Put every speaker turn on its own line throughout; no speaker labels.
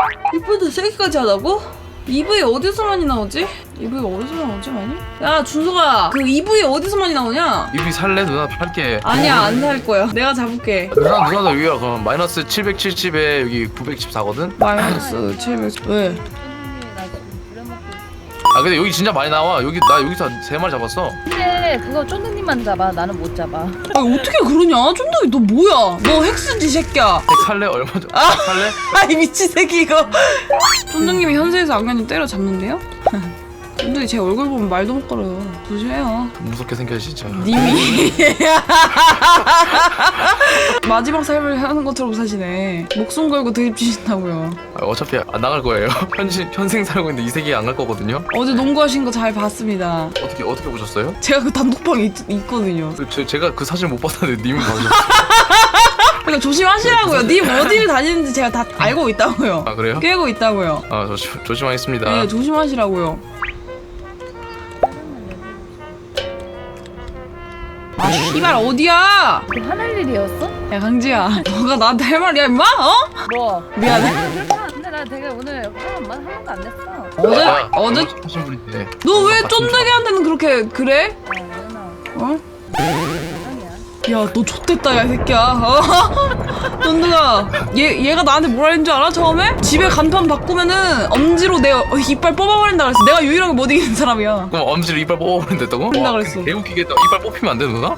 이프도 세기까지 하다고? EV 어디서 많이 나오지? EV 어디서 나오지 많이? 야 준석아 그 EV 어디서 많이 나오냐?
EV 살래? 누나 팔게.
아니야 안 살 거야. 내가 잡을게.
누나도 여기가 그럼 마이너스 770에 여기 914거든?
마이너스 700 왜?
아 근데 여기 진짜 많이 나와. 여기 나 여기서 3마리 잡았어.
근데 그거 쫀득님만 잡아. 나는 못 잡아.
아 어떻게 그러냐? 쫀득이 너 뭐야? 너 핵수지 새끼야.
백 살래? 얼마 전? 살래?
아이 미친 새끼 이거. 쫀득님이 현세에서 악녀님 때려잡는데요? 쫀득이 제 얼굴 보면 말도 못 걸어요. 조심해요.
무섭게 생겨 진짜.
님이 마지막 삶을 하는 것처럼 사시네. 목숨 걸고 드립 주신다고요.
아, 어차피 안 나갈 거예요. 현생 살고 있는데 이 세계에 안 갈 거거든요.
어제 농구하신 거 잘 봤습니다.
어떻게 보셨어요?
제가 그 단독방에 있거든요.
제가 그 사진 못 봤는데 님은 봐주셨어요.
그러니까 조심하시라고요. 님 어디를 다니는지 제가 다 알고 있다고요.
아 그래요?
깨고 있다고요.
아 조심하겠습니다.
네 조심하시라고요. 아 씨발 어디야?
그 화낼 일이었어?
야 강지야 너가 나한테 할 말이야 임마? 어?
뭐?
미안해.
근데 나 되게 오늘 한 번도 안 냈어.
어제
하신 분인데.
너 왜 쫀득이한테는 그렇게 그래?
누나.
어?
사랑이야.
야 너 좆됐다 야 이 새끼야. 어? 쫀득아 얘가 나한테 뭐라 했는 줄 알아 처음에? 집에 간판 바꾸면은 엄지로 내 이빨 뽑아버린다 그랬어. 내가 유일하게 못 이기는 사람이야.
그럼 엄지를 이빨 뽑아버린댔다고?
뽑는다 그랬어.
개웃기겠다. 이빨 뽑히면 안 돼 누나?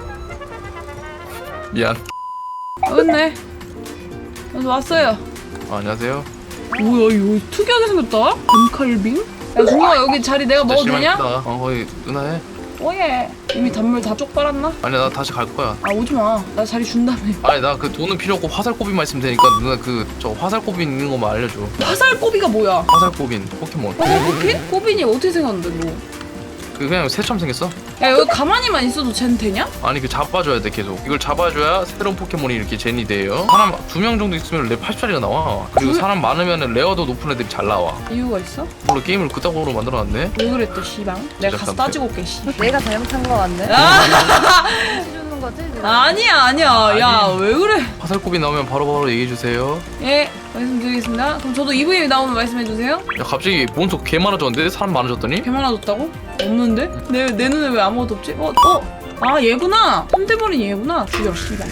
미안.
됐네. 그래서 왔어요.
안녕하세요.
뭐야 이거 특이하게 생겼다? 단칼빙? 야 준호아 여기 자리 내가 먹어도 되냐?
거기 누나 해.
오예. 이미 단물 다 쪽 빨았나?
아니 나 다시 갈 거야.
아 오지마. 나 자리 준다며.
아니 나 그 돈은 필요 없고 화살꼬비만 있으면 되니까 누나 그 저 화살꼬비 있는 것만 알려줘.
화살꼬비가 뭐야?
화살꼬빈 포켓몬.
화살꼬빈? 꼬빈이 어떻게 생겼는데 너?
그 그냥 새처럼 생겼어.
야 여기 가만히만 있어도 쟨 되냐?
아니 그 잡아줘야 돼 계속. 이걸 잡아줘야 새로운 포켓몬이 이렇게 젠이 돼요. 사람 2명 정도 있으면 레 80짜리가 나와. 그리고 사람 많으면 레어도 높은 애들이 잘 나와.
이유가 있어?
물론 게임을 그따구로 만들어놨네.
왜 그랬대 씨방? 내가 가서
제작자한테.
따지고 올게 씨.
내가 잘못한 거 같네. 주는 거지? 지금?
아니야 야 왜 그래?
화살꼬비 나오면 바로바로 얘기해주세요.
예 말씀드리겠습니다. 그럼 저도 EVM 나오면 말씀해주세요.
야 갑자기 몬스터 개 많아졌는데? 사람 많아졌더니?
개 많아졌다고? 없는데? 내 눈에 왜 아무것도 없지? 아 얘구나. 템템버린 얘구나. 죽여 씨발.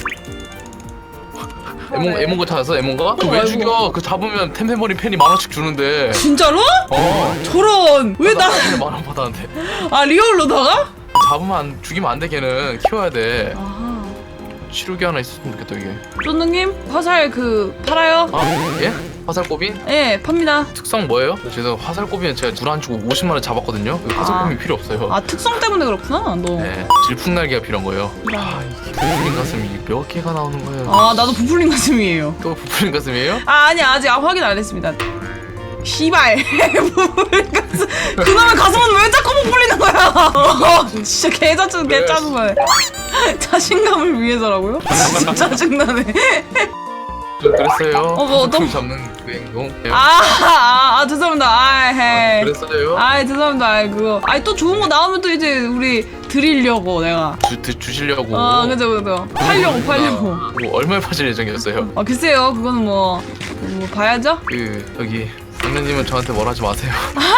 에몬가 찾았어? 에몬가? 그 왜
아이고.
죽여? 그 잡으면 템템버린 팬이 10,000원씩 주는데.
진짜로?
어.
저런 왜 나?
팬이 10,000원 받았는데.
아 리얼로다가?
잡으면 죽이면 안 돼 걔는. 키워야 돼.
아하.
치료기 하나 있었으면 좋겠다 이게.
쫀득님 화살 그 팔아요?
아 예? 화살꼬빈?
예 팝니다.
특성 뭐예요? 제가 화살꼬비는 제가 둘 안 주고 50만원 잡았거든요. 화살꼬비 필요 없어요.
아 특성 때문에 그렇구나 너.
네, 질풍날개가 필요한 거예요. 아, 이게 부풀린 가슴이 몇 개가 나오는 거예요?
아 나도 부풀린 가슴이에요.
또 부풀린 가슴이에요?
아 아니야 아직 확인 안 했습니다. 씨발 부풀린 가슴. 그놈의 가슴은 왜 자꾸 부풀리는 거야? 진짜 개짜증나네. 자신감을 위해서라고요? 진짜 짜증나네.
좀 그랬어요.
뭐 어떤-
잡는 그 행동.
죄송합니다. 헤이.
그랬어요?
죄송합니다. 그거. 또 좋은 거 나오면 또 이제 우리 드리려고 내가.
주시려고.
그죠. 팔려고.
뭐 얼마에 파실 예정이었어요?
글쎄요. 그거는 뭐 봐야죠.
그 여기 장면님은 저한테 뭘 하지 마세요.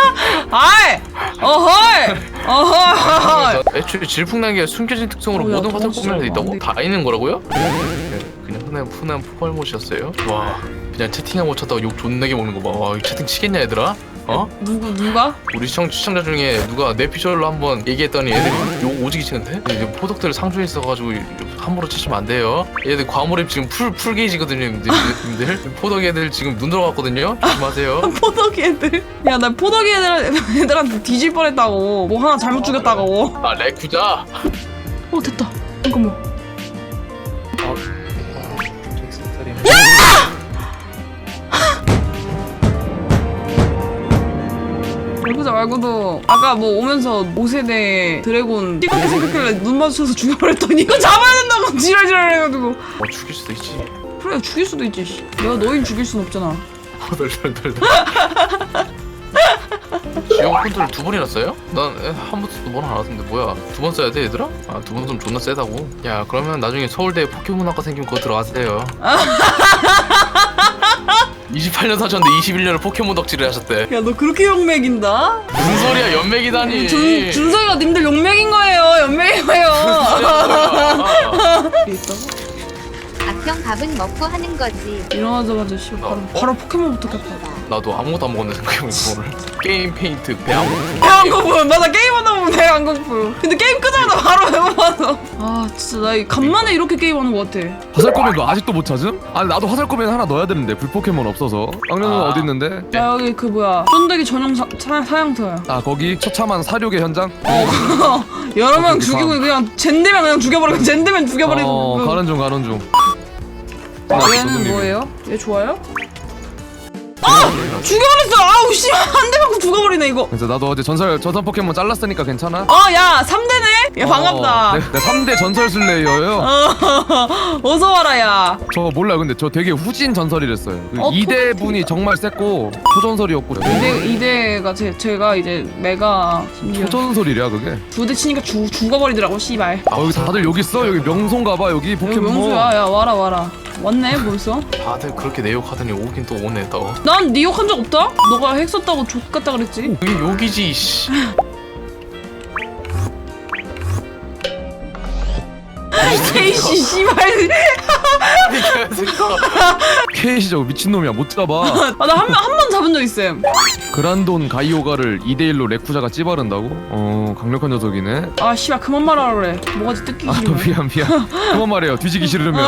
어허이.
애초에 질풍날개가 숨겨진 특성으로
야,
모든
돈
화살꼬비를
진짜
있다고?
안
다 있는 거라고요? 그냥 흔한 포괄못이었어요. 와 그냥 채팅을 못 쳤다고 욕 존나게 먹는 거 봐. 와 이거 채팅 치겠냐 얘들아? 어?
누가?
우리 시청자 중에 누가 내 피셜로 한번 얘기했더니 애들이 욕 오지게 치는데? 이제 포덕들 상주에 있어가지고 함부로 치시면 안 돼요. 얘들 과몰입 지금 풀 게이지거든요 님들. 포덕 애들 지금 눈 들어갔거든요. 조심하세요.
포덕이 애들. 야 나 포덕이 애들한테 뒤질 뻔했다고. 뭐 하나 잘못 죽였다고.
아 레쿠자.
됐다. 잠깐만. 레쿠자 말고도 아까 뭐 오면서 5세대 드래곤 띠껍게 생겼길래 눈 마주쳐서 죽여버렸더니 이거 잡아야 된다고 지랄지랄 해가지고.
죽일 수도 있지.
그래 죽일 수도 있지 씨. 내가 너희를 죽일 순 없잖아.
덜덜덜덜. 지역 컨트롤 2번이나 써요? 난 한 번도 두 번 안 하던데 뭐야? 2번 써야 돼 얘들아? 아 2번 좀 존나 세다고. 야 그러면 나중에 서울대 포켓몬학과 생기면 그거 들어가세요. 28년 사셨는데 21년을 포켓몬 덕질을 하셨대.
야 너 그렇게 용맥인다?
무슨 소리야, 연맥이다니.
준석이가 님들 용맥인 거예요. 연맥인 거예요. 있다고?
악형 밥은 먹고 하는 거지.
일어나자마자 씨 바로 포켓몬부터 켰다.
나도 아무것도 안 먹었네 생각해보니까 오늘. 게임 페인트 배안
배안 고프. 맞아 게임하다 보면 배안 고프. 근데 게임 끄자마자 바로 배고파서. 아 진짜 나 간만에 이렇게 게임하는 것 같아.
화살코멘 너 아직도 못 찾음? 아니 나도 화살코멘 하나 넣어야 되는데 불포켓몬 없어서. 악녀는
아.
어디 있는데?
야 여기 그 뭐야 쫀득이 전용 사양터야.
아 거기 처참한 사륙의 현장?
여러 명
거기
죽이고
봐.
그냥 젠데면 그냥 죽여버리고 젠데면 죽여버리고.
가는 중 가는 중.
얘는 뭐예요? 얘 좋아요? 죽여버렸어! 아우 씨! 한 대 맞고 죽어버리네 이거.
그래서 나도 어제 전설 포켓몬 잘랐으니까 괜찮아?
야 3대네? 야 반갑다.
내 3대 전설 슬레이어예요.
어서 와라 야.
저 몰라요. 근데 저 되게 후진 전설이랬어요. 그
어,
2대 분이 정말 셌고 초전설이었고.
이대가 제가 이제 메가 심지어
초전설이랴 그게.
2대 치니까 죽어버리더라고 씨발.
여기 다들 여기 있어? 여기 명소인가봐 여기
여기
포켓몬.
명수야. 야 와라. 왔네 벌써?
다들 그렇게 내욕하더니 오긴 또 오네 또.
난 네 욕 한 적 없다? 너가 핵 썼다고 족같다 그랬지?
여기 욕이지 씨.
케이씨 씨발.
케이시 저거 미친놈이야 못 잡아.
나 한 번 잡은 적 있음.
그란돈 가이오가를 2대1로 레쿠자가 찌바른다고? 강력한 녀석이네.
아 씨발 그만 말하라 그래. 뭐가지 뜯기
아
싫으면.
미안 그만 말해요. 뒤지기 싫으면.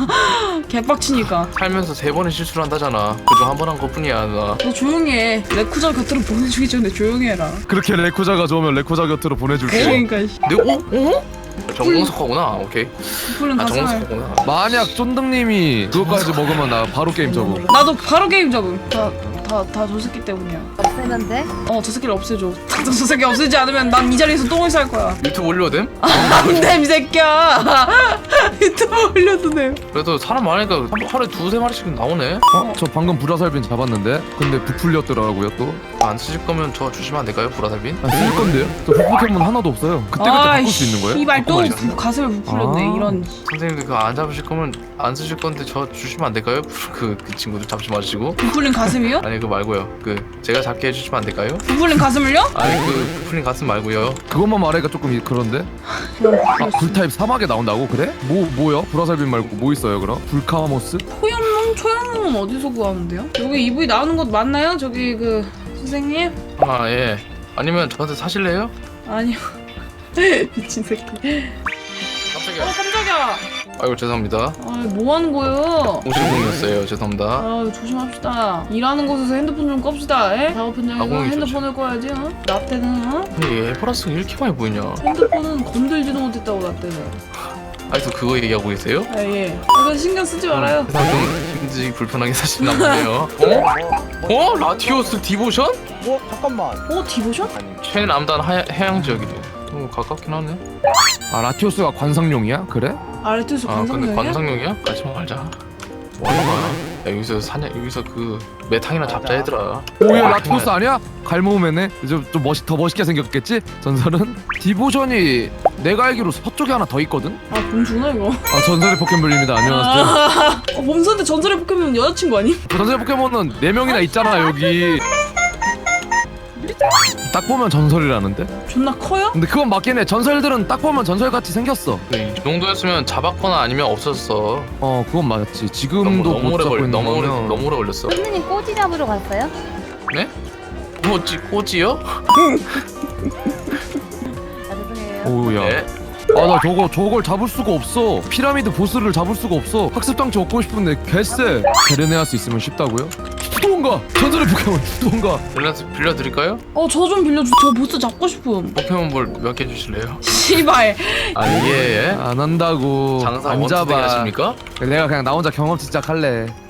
개빡치니까.
살면서 3번의 실수를 한다잖아. 그중 한 번 한 것뿐이야 나.
너 조용히 해. 레쿠자 곁으로 보내주기 전에 조용히 해라.
그렇게 레쿠자가 좋으면 레쿠자 곁으로 보내줄게.
그러니까 씨.
어? 정공석하구나. 오케이.
부풀린 가슴을.
정공석하구나.
만약 쫀득님이 그것까지 먹으면 나 바로 게임 접어.
나도 바로 게임 잡음. 다 저 새끼 때문이야.
없애면 돼?
저 새끼를 없애줘. 저 새끼 없애지 않으면 난 이 자리에서 똥을 쌀 거야.
유튜브 올려도 됨?
안돼 이 새끼야. 유튜브 올려도 돼.
그래도 사람 많으니까 하루에 2-3마리씩 나오네.
저 방금 불화살빈 잡았는데 근데 부풀렸더라고요 또.
안 쓰실 거면 저 주시면 안 될까요, 불화살빈?
쓸 건데요? 저 포켓몬 하나도 없어요. 그때 바꿀 수 있는 거예요?
씨발 또
바꿔버리자.
가슴을 부풀렸네.
아.
이런.
선생님들 그거 안 잡으실 거면 안 쓰실 건데 저 주시면 안 될까요? 그 친구들 잡지 마시고.
부풀린 가슴이요?
아니 그거 말고요. 제가 잡게 해주시면 안 될까요?
부풀린 가슴을요?
아니 풀린 가슴 말고요.
그것만 말하니까 조금 그런데? 불타입 사막에 나온다고? 그래? 뭐요? 불화살빈 말고 뭐 있어요 그럼? 불카모스?
초연몽은 어디서 구하는데요? 여기 EV 나오는 곳 맞나요? 저기 그 선생님?
아 예. 아니면 저한테 사실래요?
아니요. 미친 새끼.
깜짝이야.
깜짝이야.
아이고 죄송합니다.
뭐 하는 거예요?
공실공이었어요. 죄송합니다.
조심합시다. 일하는 곳에서 핸드폰 좀 껍시다. 에? 작업 현장에서
공이
핸드폰을 꺼야지. 나 때는
아니 에버라스가 이렇게 많이 보이냐?
핸드폰은 건들지도 못했다고 나 때는.
아직도 그거 얘기하고 계세요?
예. 이거 신경 쓰지 말아요.
세상 좀 힘들지 불편하게 사시나 보네요. 어? 라티오스 디보션?
잠깐만.
디보션?
최남단 해양 지역이래. 가깝긴 하네.
아 라티오스가 관상용이야? 그래?
아르투스
근데
관상용이야?
관상용이야? 같이 말자. 뭐하는 거야? 야 여기서 그 메탕이나 잡자 얘들아.
오야 라티오스 아니야? 갈모음에네? 좀 더 멋있게 생겼겠지? 전설은? 디보션이 내가 알기로 서쪽에 하나 더 있거든?
범수나 이거.
전설의 포켓몬입니다. 안녕하세요.
범수한테 전설의 포켓몬 여자친구 아니?
전설의 포켓몬은 4명이나 있잖아 여기. 딱 보면 전설이라는데?
존나 커요?
근데 그건 맞긴 해. 전설들은 딱 보면 전설같이 생겼어.
이 정도였으면 잡았거나 아니면 없었어.
그건 맞지. 지금도
너무
못
오래
잡고 있는
너무
거면
오래 걸렸어.
선생님 꼬지 잡으러 갔어요?
네? 꼬지요?
죄송해요.
오우야.
네.
나 저걸 잡을 수가 없어. 피라미드 보스를 잡을 수가 없어. 학습장치 얻고 싶은데 개쎄. 베르네아스 있으면 쉽다고요? 주도원가! 전설의 포켓몬 주도원가!
빌려드릴까요?
저 좀 빌려줘. 저 보스 잡고 싶음.
포켓몬볼 몇 개 주실래요?
씨발.
아니 예.
안 한다고.
장사
안
원투
잡아.
하십니까?
내가 그냥 나 혼자 경험치 시작할래.